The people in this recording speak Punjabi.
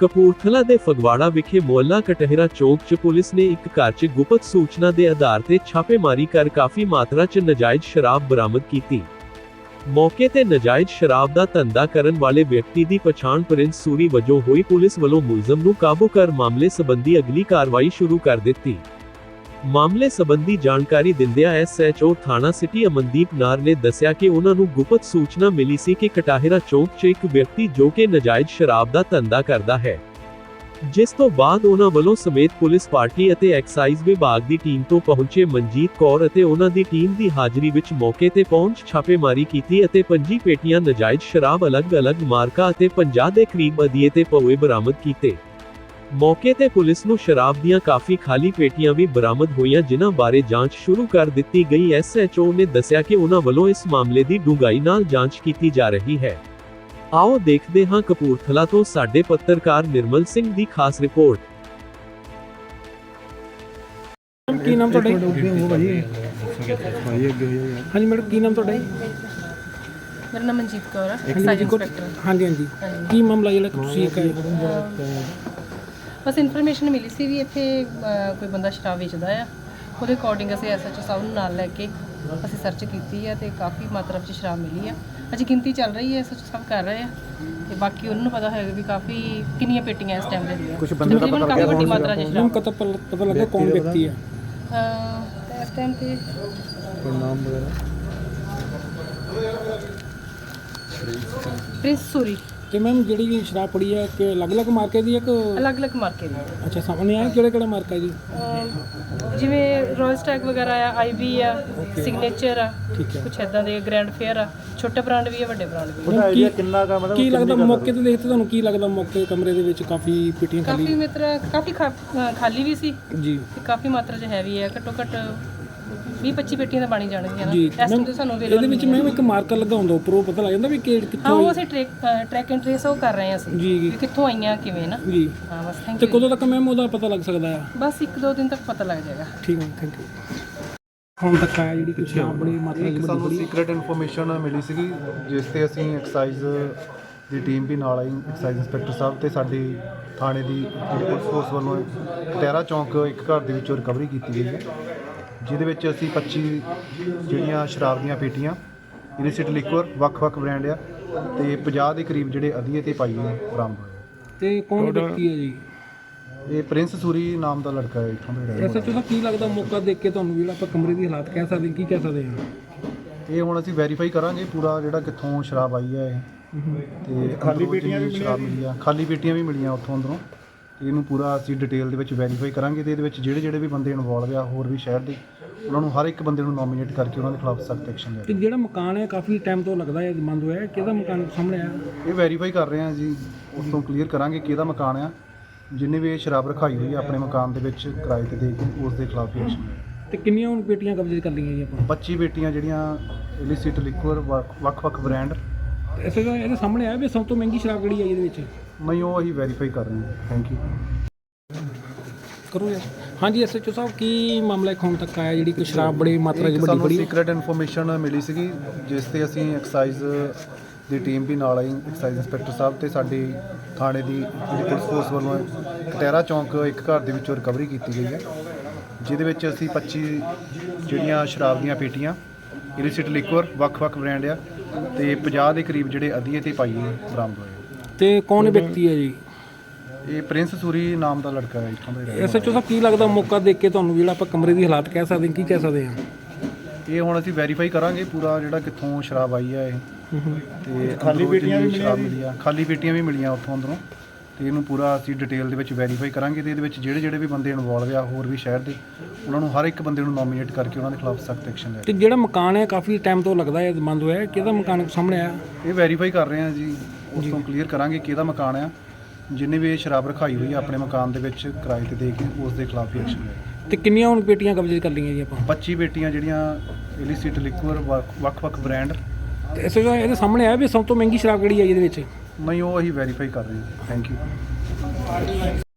ਕਪੂਰਥਲਾ ਦੇ ਫਗਵਾੜਾ ਵਿਖੇ ਮੁਹੱਲਾ ਕਟਹਿਰਾ ਚੌਕ 'ਚ ਪੁਲਿਸ ਨੇ ਇੱਕ ਘਰ 'ਚ ਗੁਪਤ ਸੂਚਨਾ ਦੇ ਆਧਾਰ ਤੇ ਛਾਪੇਮਾਰੀ ਕਰ ਕਾਫੀ ਮਾਤਰਾ 'ਚ ਨਾਜਾਇਜ਼ ਸ਼ਰਾਬ ਬਰਾਮਦ ਕੀਤੀ। ਮੌਕੇ ਤੇ ਨਾਜਾਇਜ਼ ਸ਼ਰਾਬ ਦਾ ਧੰਦਾ ਕਰਨ ਵਾਲੇ ਵਿਅਕਤੀ ਦੀ ਪਛਾਣ ਪ੍ਰਿੰਸ ਸੂਰੀ ਵਜੋਂ ਹੋਈ। ਪੁਲਿਸ ਵੱਲੋਂ ਮੁਲਜ਼ਮ ਨੂੰ ਕਾਬੂ ਕਰ ਮਾਮਲੇ ਸੰਬੰਧੀ ਅਗਲੀ ਕਾਰਵਾਈ ਸ਼ੁਰੂ ਕਰ ਦਿੱਤੀ। ਮਾਮਲੇ ਸੰਬੰਧੀ ਜਾਣਕਾਰੀ ਦਿੰਦਿਆਂ SHO ਥਾਣਾ ਸਿਟੀ ਅਮਨਦੀਪ ਨਾਰ ਨੇ ਦੱਸਿਆ ਕਿ ਉਹਨਾਂ ਨੂੰ ਗੁਪਤ ਸੂਚਨਾ ਮਿਲੀ ਸੀ ਕਿ ਕਟਹਿਰਾ ਚੌਕ 'ਚ ਇੱਕ ਵਿਅਕਤੀ ਜੋ ਕਿ ਨਾਜਾਇਜ਼ ਸ਼ਰਾਬ ਦਾ ਧੰਦਾ ਕਰਦਾ ਹੈ, ਜਿਸ ਤੋਂ ਬਾਅਦ ਉਹਨਾਂ ਵੱਲੋਂ ਸਮੇਤ ਪੁਲਿਸ ਪਾਰਟੀ ਅਤੇ ਐਕਸਾਈਜ਼ ਵਿਭਾਗ ਦੀ ਟੀਮ ਤੋਂ ਪਹੁੰਚੇ ਮਨਜੀਤ ਕੌਰ ਅਤੇ ਉਹਨਾਂ ਦੀ ਟੀਮ ਦੀ ਹਾਜ਼ਰੀ ਵਿੱਚ ਮੌਕੇ ਤੇ ਪਹੁੰਚ ਛਾਪੇਮਾਰੀ ਕੀਤੀ ਅਤੇ 25 ਪੇਟੀਆਂ ਨਾਜਾਇਜ਼ ਸ਼ਰਾਬ ਅਲੱਗ-ਅਲੱਗ ਮਾਰਕਾ ਅਤੇ 50 ਦੇ ਕਰੀਬ ਅਧੀਏ ਤੇ ਪਊਏ ਬਰਾਮਦ ਕੀਤੇ। ਮੌਕੇ ਤੇ ਪੁਲਿਸ ਨੂੰ ਸ਼ਰਾਬ ਦੀਆਂ ਕਾਫੀ ਖਾਲੀ ਪੇਟੀਆਂ ਵੀ ਬਰਾਮਦ ਹੋਈਆਂ, ਜਿਨ੍ਹਾਂ ਬਾਰੇ ਜਾਂਚ ਸ਼ੁਰੂ ਕਰ ਦਿੱਤੀ ਗਈ। SHO ਨੇ ਦੱਸਿਆ ਕਿ ਉਹਨਾਂ ਵੱਲੋਂ ਇਸ ਮਾਮਲੇ ਦੀ ਡੂੰਘਾਈ ਨਾਲ ਜਾਂਚ ਕੀਤੀ ਜਾ ਰਹੀ ਹੈ। ਆਓ ਦੇਖਦੇ ਹਾਂ ਕਪੂਰਥਲਾ ਤੋਂ ਸਾਡੇ ਪੱਤਰਕਾਰ ਨਿਰਮਲ ਸਿੰਘ ਦੀ ਖਾਸ ਰਿਪੋਰਟ। ਕੀ ਨਾਮ ਤੁਹਾਡਾ? ਹਾਂਜੀ ਮੈਡਮ, ਕੀ ਨਾਮ ਤੁਹਾਡਾ? ਮੇਰਾ ਨਾਮ ਮਨਜੀਤ ਕੌਰ ਹੈ, ਐਕਸਾਈਜ਼ ਇੰਸਪੈਕਟਰ। ਹਾਂਜੀ, ਕੀ ਮਾਮਲਾ ਜਿਹੜਾ ਤੁਸੀਂ ਬਸ ਇਨਫੋਰਮੇਸ਼ਨ ਮਿਲੀ ਸੀ ਵੀ ਇੱਥੇ ਕੋਈ ਬੰਦਾ ਸ਼ਰਾਬ ਵੇਚਦਾ ਆ। ਉਹਦੇ ਅਕੋਰਡਿੰਗ ਅਸੀਂ SHO ਸਾਹਿਬ ਨੂੰ ਨਾਲ ਲੈ ਕੇ ਅਸੀਂ ਸਰਚ ਕੀਤੀ ਹੈ ਤੇ ਕਾਫੀ ਮਾਤਰਾ ਵਿੱਚ ਸ਼ਰਾਬ ਮਿਲੀ ਆ। ਅਜੇ ਗਿਣਤੀ ਚੱਲ ਰਹੀ ਹੈ, SHO ਸਾਹਿਬ ਕਰ ਰਹੇ ਆ ਤੇ ਬਾਕੀ ਉਹਨਾਂ ਨੂੰ ਪਤਾ ਹੋਏਗਾ ਵੀ ਕਾਫੀ ਕਿੰਨੀਆਂ ਪੇਟੀਆਂ ਇਸ ਟਾਈਮ ਦੇ ਦੀਆਂ। ਕੁਝ ਬੰਦੇ ਦਾ ਪਤਾ ਕਾਫੀ ਵੱਡੀ ਮਾਤਰਾ ਵਿੱਚ ਸ਼ਰਾਬ ਪਤਾ ਲੱਗਾ ਕੌਣ ਵਿਅਕਤੀ ਹੈ ਇਸ ਟਾਈਮ ਤੇ ਨਾਮ ਵਗੈਰਾ? ਪ੍ਰਿੰਸ ਸੂਰੀ। ਤੇ ਮੈਮ ਜਿਹੜੀ ਸ਼ਰਾਬ ਪੜੀ ਹੈ ਕਿ ਅਲੱਗ-ਅਲੱਗ ਮਾਰਕੇ ਦੀ ਹੈ ਕਿ ਅਲੱਗ-ਅਲੱਗ ਮਾਰਕੇ ਦੀ? ਅੱਛਾ, ਸਾਹਮਣੇ ਆਇਆ ਕਿਹੜਾ ਮਾਰਕਾ ਜੀ? ਜਿਵੇਂ ਰੋਇਲ ਸਟੈਗ ਵਗੈਰਾ ਆ, IB ਆ, ਸਿਗਨੇਚਰ ਆ, ਠੀਕ ਹੈ। ਕੁਛ ਇਦਾਂ ਦੇ ਗ੍ਰੈਂਡ ਫੇਅਰ ਆ, ਛੋਟੇ ਬ੍ਰਾਂਡ ਵੀ ਆ, ਵੱਡੇ ਬ੍ਰਾਂਡ ਵੀ ਆ। ਉਹਦਾ ਆਈਡੀਆ ਕਿੰਨਾ ਦਾ ਮਤਲਬ ਕੀ ਲੱਗਦਾ ਮੌਕੇ ਤੇ ਦੇਖਦੇ ਤੁਹਾਨੂੰ ਕੀ ਲੱਗਦਾ? ਮੌਕੇ ਕਮਰੇ ਦੇ ਵਿੱਚ ਕਾਫੀ ਪੇਟੀਆਂ ਖਾਲੀ, ਕਾਫੀ ਮਾਤਰਾ ਕਾਫੀ ਖਾਲੀ ਵੀ ਸੀ ਜੀ ਤੇ ਕਾਫੀ ਮਾਤਰਾ 'ਚ ਹੈਵੀ ਹੈ। ਘੱਟੋ ਘੱਟ 20-25 ਪੇਟੀਆਂ ਤਾਂ ਬਣੀ ਜਾਣਗੀਆਂ ਨਾ ਜੀ। ਇਸ ਟਾਈਮ ਤੇ ਸਾਨੂੰ ਇਹਦੇ ਵਿੱਚ ਮੈਮ ਇੱਕ ਮਾਰਕਰ ਲੱਗਾ ਹੁੰਦਾ ਉੱਪਰੋਂ, ਪਤਾ ਲੱਗ ਜਾਂਦਾ ਵੀ ਕਿੱਥੋਂ? ਹਾਂ, ਉਹ ਅਸੀਂ ਟਰੈਕ ਐਂਡ ਟ੍ਰੇਸ ਉਹ ਕਰ ਰਹੇ ਹਾਂ ਅਸੀਂ ਜੀ ਵੀ ਕਿੱਥੋਂ ਆਈਆਂ ਕਿਵੇਂ ਨਾ। ਜੀ ਹਾਂ ਬਸ ਥੈਂਕ ਤੇ ਯੂ। ਕਦੋਂ ਤੱਕ ਮੈਮ ਉਹਦਾ ਪਤਾ ਲੱਗ ਸਕਦਾ ਆ? ਬਸ 1-2 ਦਿਨ ਤੱਕ ਪਤਾ ਲੱਗ ਜਾਏਗਾ। ਠੀਕ ਹੈ, ਥੈਂਕ ਯੂ। ਹੁਣ ਤੱਕ ਆਇਆ ਜਿਹੜੀ ਕੁਛ ਬੜੀ ਮਾਤਰਾ ਇੱਕ ਸਾਨੂੰ ਸੀਕ੍ਰੇਟ ਇਨਫੋਰਮੇਸ਼ਨ ਮਿਲੀ ਸੀਗੀ, ਜਿਸ ਤੇ ਅਸੀਂ ਐਕਸਾਈਜ਼ ਦੀ ਟੀਮ ਵੀ ਨਾਲ ਆਈ। ਐਕਸਾਈਜ਼ ਇੰਸਪੈਕਟਰ ਸਾਹਿਬ ਤੇ ਸਾਡੀ ਥਾਣੇ ਦੀ ਪੁਲਿਸ ਫੋਰਸ ਵੱਲੋਂ ਕਟਹਿਰਾ ਚੌਂਕ ਇੱਕ ਘਰ ਦੇ ਵਿੱਚੋਂ ਰਿਕਵਰੀ ਕੀਤੀ ਗਈ ਹੈ, ਜਿਹਦੇ ਵਿੱਚ ਅਸੀਂ 25 ਜਿਹੜੀਆਂ ਸ਼ਰਾਬ ਦੀਆਂ ਪੇਟੀਆਂ, ਇਲਿਸਿਟ ਲਿਕਵਰ ਵੱਖ-ਵੱਖ ਬ੍ਰਾਂਡ ਆ ਤੇ 50 ਦੇ ਕਰੀਬ ਜਿਹੜੇ ਅਧੀਏ ਤੇ ਪਾਈਏ ਬਰਾਮਦ ਹੋਏ। ਤੇ ਕੌਣ ਵਿਅਕਤੀ ਹੈ ਜੀ? ਇਹ ਪ੍ਰਿੰਸ ਸੂਰੀ ਨਾਮ ਦਾ ਲੜਕਾ ਹੈ, ਇੱਥੋਂ ਦਾ ਰਹਿਣ ਵਾਲਾ। SHO ਦਾ ਕੀ ਲੱਗਦਾ ਮੌਕਾ ਦੇਖ ਕੇ ਤੁਹਾਨੂੰ ਜਿਹੜਾ ਆਪਾਂ ਕਮਰੇ ਦੀ ਹਾਲਾਤ ਕਹਿ ਸਕਦੇ ਕੀ ਕਹਿ ਸਕਦੇ ਹਾਂ? ਇਹ ਹੁਣ ਅਸੀਂ ਵੈਰੀਫਾਈ ਕਰਾਂਗੇ ਪੂਰਾ ਜਿਹੜਾ ਕਿੱਥੋਂ ਸ਼ਰਾਬ ਆਈ ਹੈ ਇਹ, ਤੇ ਖਾਲੀ ਪੇਟੀਆਂ ਵੀ ਸ਼ਰਾਬ ਮਿਲੀ ਆ, ਖਾਲੀ ਪੇਟੀਆਂ ਵੀ ਮਿਲੀਆਂ ਉੱਥੋਂ ਅੰਦਰੋਂ। ਤੇ ਇਹਨੂੰ ਪੂਰਾ ਅਸੀਂ ਡਿਟੇਲ ਦੇ ਵਿੱਚ ਵੈਰੀਫਾਈ ਕਰਾਂਗੇ ਤੇ ਇਹਦੇ ਵਿੱਚ ਜਿਹੜੇ ਵੀ ਬੰਦੇ ਇਨਵੋਲਵ ਆ ਹੋਰ ਵੀ ਸ਼ਹਿਰ ਦੇ, ਉਹਨਾਂ ਨੂੰ ਹਰ ਇੱਕ ਬੰਦੇ ਨੂੰ ਨੋਮੀਨੇਟ ਕਰਕੇ ਉਹਨਾਂ ਦੇ ਖਿਲਾਫ ਸਖਤ ਐਕਸ਼ਨ ਲਿਆ। ਤੇ ਜਿਹੜਾ ਮਕਾਨ ਹੈ ਕਾਫੀ ਟਾਈਮ ਤੋਂ ਲੱਗਦਾ ਹੈ ਬੰਦ ਹੋਇਆ, ਕਿਹਦਾ ਮਕਾਨ ਸਾਹਮਣੇ ਆ? ਇਹ ਵੈਰੀਫਾਈ ਕਰ ਰਹੇ ਹਾਂ ਜੀ, ਉਸ ਤੋਂ ਕਲੀਅਰ ਕਰਾਂਗੇ ਕਿਹਦਾ ਮਕਾਨ ਆ। ਜਿੰਨੇ ਵੀ ਇਹ ਸ਼ਰਾਬ ਰਖਾਈ ਹੋਈ ਹੈ ਆਪਣੇ ਮਕਾਨ ਦੇ ਵਿੱਚ ਕਿਰਾਏ ਤੇ ਦੇ ਕੇ, ਉਸ ਦੇ ਖਿਲਾਫ ਐਕਸ਼ਨ ਲਿਆ। ਤੇ ਕਿੰਨੀਆਂ ਹੁਣ ਪੇਟੀਆਂ ਕਬਜ਼ੇ ਕਰ ਲਈਆਂ ਜੀ ਆਪਾਂ? 25 ਪੇਟੀਆਂ ਜਿਹੜੀਆਂ ਇਲਿਸਿਟ ਲਿਕਵਰ ਵੱਖ-ਵੱਖ ਬ੍ਰਾਂਡ। SHO ਇਹਦੇ ਸਾਹਮਣੇ ਆਇਆ ਵੀ ਸਭ ਤੋਂ ਮਹਿੰਗੀ ਸ਼ਰਾਬ ਕਿਹੜੀ ਹੈ ਇਹਦੇ ਵਿੱਚ? ਨਹੀਂ, ਉਹ ਅਸੀਂ ਵੈਰੀਫਾਈ ਕਰ ਰਹੇ ਹਾਂ। Thank you. ਕਰੋ ਯਾਰ। ਹਾਂਜੀ SHO ਸਾਹਿਬ, ਕੀ ਮਾਮਲਾ ਇੱਕ ਹੁਣ ਤੱਕ ਆਇਆ ਜਿਹੜੀ ਕਿ ਸ਼ਰਾਬ ਬੜੀ ਮਾਤਰਾ 'ਚ ਵੱਡੀ ਸਾਨੂੰ ਬੜੀ? ਸੀਕ੍ਰੇਟ ਇਨਫੋਰਮੇਸ਼ਨ ਮਿਲੀ ਸੀਗੀ, ਜਿਸ ਤੇ ਅਸੀਂ ਐਕਸਾਈਜ਼ ਦੀ ਟੀਮ ਵੀ ਨਾਲ ਆਈ। ਐਕਸਾਈਜ਼ ਇੰਸਪੈਕਟਰ ਸਾਹਿਬ ਤੇ ਸਾਡੀ ਥਾਣੇ ਦੀ ਜਿਹੜੀ ਪੁਲਿਸ ਫੋਰਸ ਵੱਲੋਂ ਕਟਹਿਰਾ ਚੌਂਕ ਇੱਕ ਘਰ ਦੇ ਵਿੱਚੋਂ ਰਿਕਵਰੀ ਕੀਤੀ ਗਈ ਹੈ, ਜਿਹਦੇ ਵਿੱਚ ਅਸੀਂ 25 ਜਿਹੜੀਆਂ ਸ਼ਰਾਬ ਦੀਆਂ ਪੇਟੀਆਂ, ਇਲਿਸਿਟ ਲਿਕਵਰ ਵੱਖ-ਵੱਖ ਬ੍ਰਾਂਡ ਆ ਤੇ 50 ਦੇ ਕਰੀਬ ਜਿਹੜੇ ਅਧੀਏ ਤੇ ਪਾਈਏ ਬਰਾਮਦ ਹੋਏ। ਤੇ ਕੌਣ ਵਿਅਕਤੀ ਹੈ ਜੀ? ਇਹ ਪ੍ਰਿੰਸ ਸੂਰੀ ਨਾਮ ਦਾ ਲੜਕਾ ਹੈ, ਇੱਥੋਂ ਦਾ ਰਹਿਣ ਵਾਲਾ। SHO ਸਾਹਿਬ, ਕੀ ਲੱਗਦਾ ਮੌਕਾ ਦੇਖ ਕੇ ਤੁਹਾਨੂੰ ਜਿਹੜਾ ਆਪਾਂ ਕਮਰੇ ਦੀ ਹਾਲਾਤ ਕਹਿ ਸਕਦੇ ਕੀ ਕਹਿ ਸਕਦੇ ਹਾਂ? ਇਹ ਹੁਣ ਅਸੀਂ ਵੈਰੀਫਾਈ ਕਰਾਂਗੇ ਪੂਰਾ ਜਿਹੜਾ ਕਿੱਥੋਂ ਸ਼ਰਾਬ ਆਈ ਹੈ ਇਹ, ਤੇ ਖਾਲੀ ਪੇਟੀਆਂ ਵੀ ਸ਼ਰਾਬ ਮਿਲੀ ਆ, ਖਾਲੀ ਪੇਟੀਆਂ ਵੀ ਮਿਲੀਆਂ ਉੱਥੋਂ ਅੰਦਰੋਂ। ਤੇ ਇਹਨੂੰ ਪੂਰਾ ਅਸੀਂ ਡਿਟੇਲ ਦੇ ਵਿੱਚ ਵੈਰੀਫਾਈ ਕਰਾਂਗੇ ਤੇ ਇਹਦੇ ਵਿੱਚ ਜਿਹੜੇ ਵੀ ਬੰਦੇ ਇਨਵੋਲਵ ਆ ਹੋਰ ਵੀ ਸ਼ਹਿਰ ਦੇ, ਉਹਨਾਂ ਨੂੰ ਹਰ ਇੱਕ ਬੰਦੇ ਨੂੰ ਨੋਮੀਨੇਟ ਕਰਕੇ ਉਹਨਾਂ ਦੇ ਖਿਲਾਫ ਸਖਤ ਐਕਸ਼ਨ ਲਿਆ। ਤੇ ਜਿਹੜਾ ਮਕਾਨ ਹੈ ਕਾਫੀ ਟਾਈਮ ਤੋਂ ਲੱਗਦਾ ਹੈ ਬੰਦ ਹੋਇਆ, ਕਿਹਦਾ ਮਕਾਨ ਸਾਹਮਣੇ ਆਇਆ? ਇਹ ਵੈਰੀਫਾਈ ਕਰ ਰਹੇ ਹਾਂ ਜੀ, ਉਸ ਤੋਂ ਕਲੀਅਰ ਕਰਾਂਗੇ ਕਿਹਦਾ ਮਕਾਨ ਆ। ਜਿੰਨੇ ਵੀ ਇਹ ਸ਼ਰਾਬ ਰਖਾਈ ਹੋਈ ਹੈ ਆਪਣੇ ਮਕਾਨ ਦੇ ਵਿੱਚ ਕਿਰਾਏ ਤੇ ਦੇ ਕੇ, ਉਸ ਦੇ ਖਿਲਾਫ ਐਕਸ਼ਨ ਲਿਆ। ਤੇ ਕਿੰਨੀਆਂ ਹੁਣ ਪੇਟੀਆਂ ਕਬਜ਼ੇ ਕਰ ਲਈਆਂ ਜੀ ਆਪਾਂ? 25 ਪੇਟੀਆਂ ਜਿਹੜੀਆਂ ਇਲਿਸਿਟ ਲਿਕਵਰ ਵੱਖ-ਵੱਖ ਬ੍ਰਾਂਡ। ਤੇ SHO ਇਹਦੇ ਸਾਹਮਣੇ ਆਇਆ ਵੀ ਸਭ ਤੋਂ ਮਹਿੰਗੀ ਸ਼ਰਾਬ ਕਿਹੜੀ ਹੈ ਇਹਦੇ ਵਿੱਚ? ਨਹੀਂ, ਉਹ ਅਸੀਂ ਵੈਰੀਫਾਈ ਕਰ ਰਹੇ ਹਾਂ। Thank you.